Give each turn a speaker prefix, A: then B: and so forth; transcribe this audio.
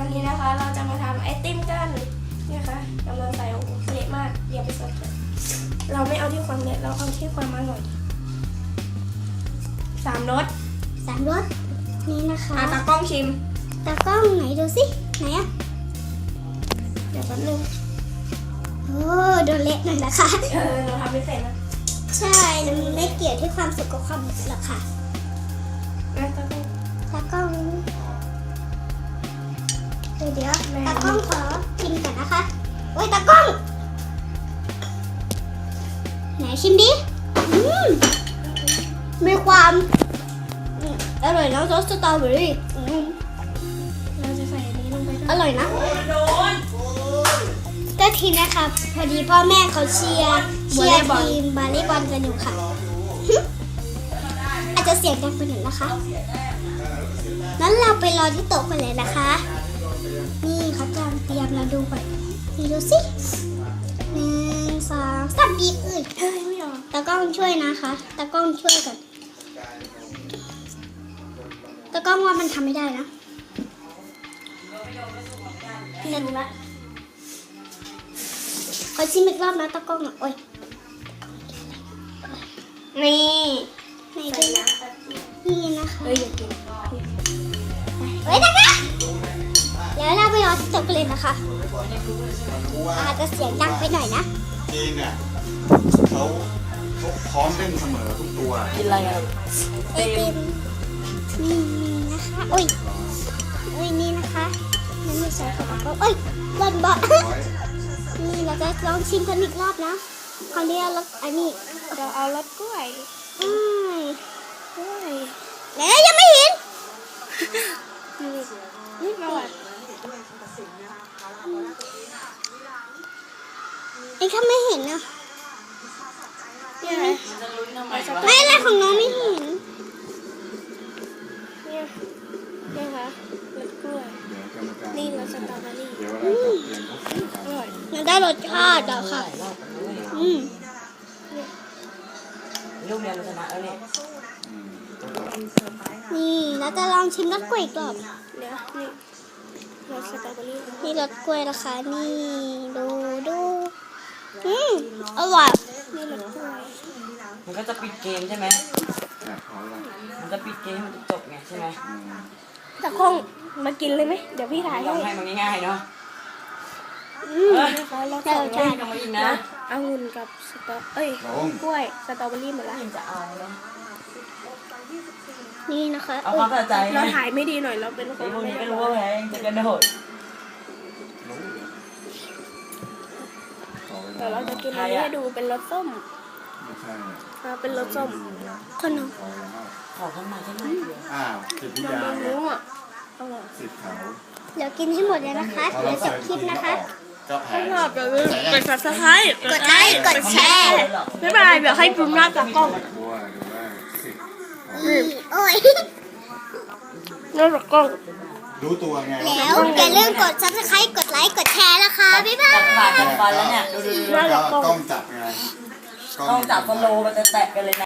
A: วันนี้นะคะเราจะมาทำไอติมกันนี่ค่ะกำลังใส่โอ้โหเละมากอย่าไปสนใจเราไม่เอาที่ความเละเราเอาที่ความอร่อย3 รส
B: 3 รสนี่นะคะ
A: ตากล้องชิม
B: ตากล้องไหนดูสิไหนอะ
A: เดี๋ยวแป๊บนึง
B: โอ้โดนเละหน่อยนะคะ
A: เราทำไม่เสร็จนะ
B: ใช่แล้วมันไม่เกี่ยวที่ความสุขกับความหรอกค่ะ
A: ตากล้อง
B: ตากล้องเดี๋ยวตากล้องขอชิมก่อนนะคะโอ้ยตากล้องไหนชิมดิมีความอร่อยนะซอสสตรอเบอรี่
A: เราจะใส่อันนี้ลงไปด้วย
B: อร่อยนะก็ทีนะคะพอดีพ่อแม่เขาเชียร์ทีมบาลีบอลกันอยู่ค่ะ อาจจะเสียงดังไปหน่อยนะคะงั้นเราไปรอที่โต๊ะกันเลยนะคะ นี่เขากำลังเตรียมเราดูก่อนนี่ดูสิ1 2 3บีบเอ้ย
A: ไม่ออก
B: ตากล้องช่วยนะคะตากล้องช่วยก่อนตากล้องว่ามันทำไม่ได้นะหนึ่งละขอชิมอีกรอบนะตากล้องอ่ะโอ้ย
A: นี่
B: ไหนดูนะนี่นะคะ
A: เฮ้ยอย่ากิน
B: เฮ้ยนะคะแล้วเราไปรอที่โต๊ะกันเลยนะคะอาจจะเสียงดังไปหน่อยนะ
C: จีนเนี่ยเขาพร้อมเล่นเสมอทุกตัว
A: กินอะไรอ่ะ
B: ไอติมนี่นะคะโอ้ยนี่นะคะนั่นไม่ใช่ของเราโอ้ยบอลบอล นี่เราจะลองชิมกันอีกรอบนะคราวนี้เราอันนี้
A: เราเอารสกล้วย
B: อืม
A: กล้วย
B: แล้วยังไม่เห็น
A: นี่มาหวาน
B: ไอ้ข้าไม่เห็นนะ
A: นี่ไง
B: ไม่อะไรของน้องไม่เห็น
A: นี่ค่ะรสกล้วย นี่รสสตรอเบอรี่
C: เดี๋ยวเราจะเปลี่ยนเขาคุยกัน
A: อร่อย
B: มันได้รสชาติอะค่ะอืม
D: ลูกเรียนชนะแล้วเนี่ย
B: นี่เราจะลองชิมรสกล้วยอีกรอบ
A: เดี๋ยวนี่รสสตรอเบอรี่
B: นี่รสกล้วยนะคะนี่ดูอร่อย
A: นี่รสกล้วย
D: มันก็จะปิดเกมใช่ไหม
C: พอแล้ว
D: มันจะปิดเกมให้มันจบไงใช่ไหม
A: ตะคงมากินเลยไหมเดี๋ยวพี่ถ่าย
D: ล
A: ให้
D: องให้มันง่ายๆเนาะ
A: นะคะรส
B: ได้รสชาติ
D: ทำมาอีกนะ
A: องุ่นกับสตรอกล้วยสตรอเบอรี่หมดละ
D: ยังจะเอาเนาะ
B: นี่นะคะ
D: เอาความสะใจ
A: เราถ่ายไม่ดีหน่อยเราเป็นค
D: ไอ้
A: น
D: พวกนี้ก็รู้ว่าแพ้ยังจะกระโดด
A: แต่เราจะกินอันนี้ให้ดูเป็นรสส้ม
C: ไม่ใช่
A: เป็นรสส้ม
B: คนน้อง
C: พอแล้ว
D: ขอข้างในใช่ไหม
C: อ้าวสิทธิ
A: น้
C: ยา
A: ำรู้อ่ะอร่อย
C: สิทธิ์เขา
B: เดี๋ยวกินให้หมดเลยนะคะเดี๋ยวจบคลิปนะคะ
C: ก็แพ้
A: ชอบอย่าลืมกด subscribe
B: กดไลค์กดแชร์
A: บ๊ายบายเดี๋ยวให้พิมพ์หน้าจากกล้อง
C: บัวหรือว่าสิทธิ์
B: โอ้ย
A: หน้าจากกล้อง
C: รู้ตัวไง
B: แล้วอย่าลืมกด subscribe กดไลค์กดแชร์นะคะบ๊ายบาย
D: กัดปากกัดฟันแล้วเนี่ยดู
C: ก็กล้องจับไง
D: ต้องจับฟอลโล่มันจะแตะกันเลยนะ